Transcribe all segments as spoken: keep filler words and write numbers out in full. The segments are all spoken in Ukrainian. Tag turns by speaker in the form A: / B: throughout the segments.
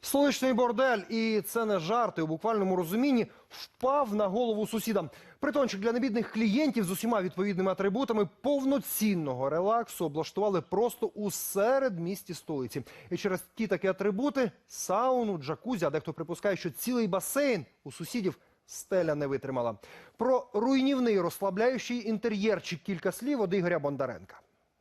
A: Столичний бордель, і це не жарти, у буквальному розумінні, впав на голову сусідам. Притончик для небідних клієнтів з усіма відповідними атрибутами повноцінного релаксу облаштували просто у середмісті столиці. І через ті такі атрибути – сауну, джакузі, а дехто припускає, що цілий басейн у сусідів стеля не витримала. Про руйнівний розслабляючий інтер'єрчик кілька слів від Ігоря Бондаренка.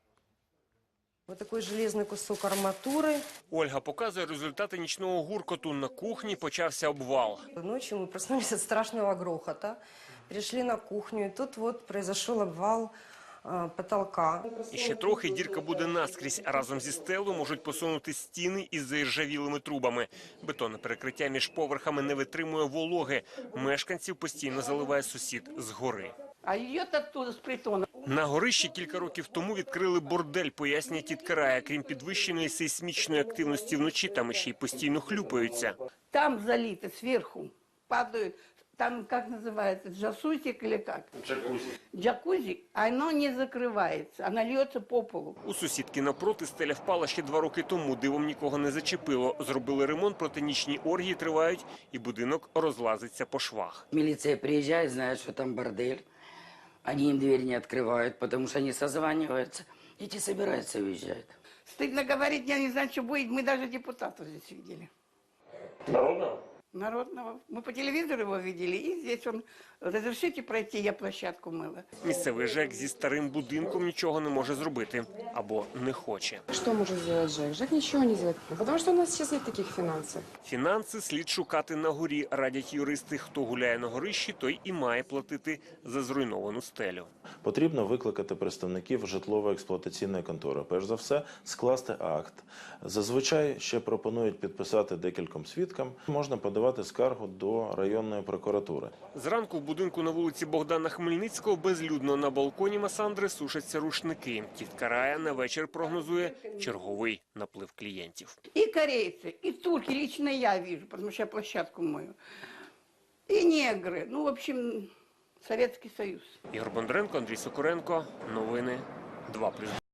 B: Вот такой железный кусок арматуры.
C: Ольга показує результати нічного гуркоту. На кухні почався обвал.
B: Ночью мы проснулись от страшного грохота, пришли на кухню, и тут вот произошел обвал э, потолка.
C: І ще трохи дірка буде наскрізь, а разом зі стелою можуть посунути стіни із заіржавілими трубами. Бетонне перекриття між поверхами не витримує вологи. Мешканців постійно заливає сусід згори.
D: А її оттуда, з притону.
C: На горищі кілька років тому відкрили бордель, пояснює тітка Рая. Крім підвищеної сейсмічної активності вночі, там ще й постійно хлюпаються.
D: Там залито, сверху падают. Там, как называется, джасусик или как?
C: Джакузі.
D: Джакузи, оно не закрывается, оно льется по полу.
C: У сусідки навпроти стеля впала ще два роки тому. Дивом нікого не зачепило. Зробили ремонт, проте нічні оргії тривають і будинок розлазиться по швах.
E: Милиция приезжает, знает, что там бордель. Они им дверь не открывают, потому что они созваниваются. Эти собираются и уезжают.
D: Стыдно говорить, я не знаю, что будет. Мы даже депутата здесь видели.
C: Народного?
D: Народного. Мы по телевизору его видели, и здесь он, разрешите пройти, я площадку мыла.
C: Місцевий ЖЕК зі старим будинком нічого не може зробити. Або не хоче.
F: Что может сделать ЖЭК? ЖЭК ничего не сделает, потому что у нас сейчас нет таких финансов.
C: Фінанси слід шукати на горі, радять юристи. Хто гуляє на горищі, той і має платити за зруйновану стелю.
G: Потрібно викликати представників житлово-експлуатаційної контори. Перш за все, скласти акт. Зазвичай ще пропонують підписати декільком свідкам. Можна подавати скаргу до районної прокуратури.
C: Зранку в будинку на вулиці Богдана Хмельницького безлюдно. На балконі Масандри сушаться рушники. Тітка Рая на вечір прогнозує черговий наплив клієнтів.
D: И корейцы, и турки, лично я вижу, потому что я площадку мою. И негры, ну, в общем, Советский Союз.
C: Ігор Бондаренко, Андрій Сокуренко. Новини два плюс два.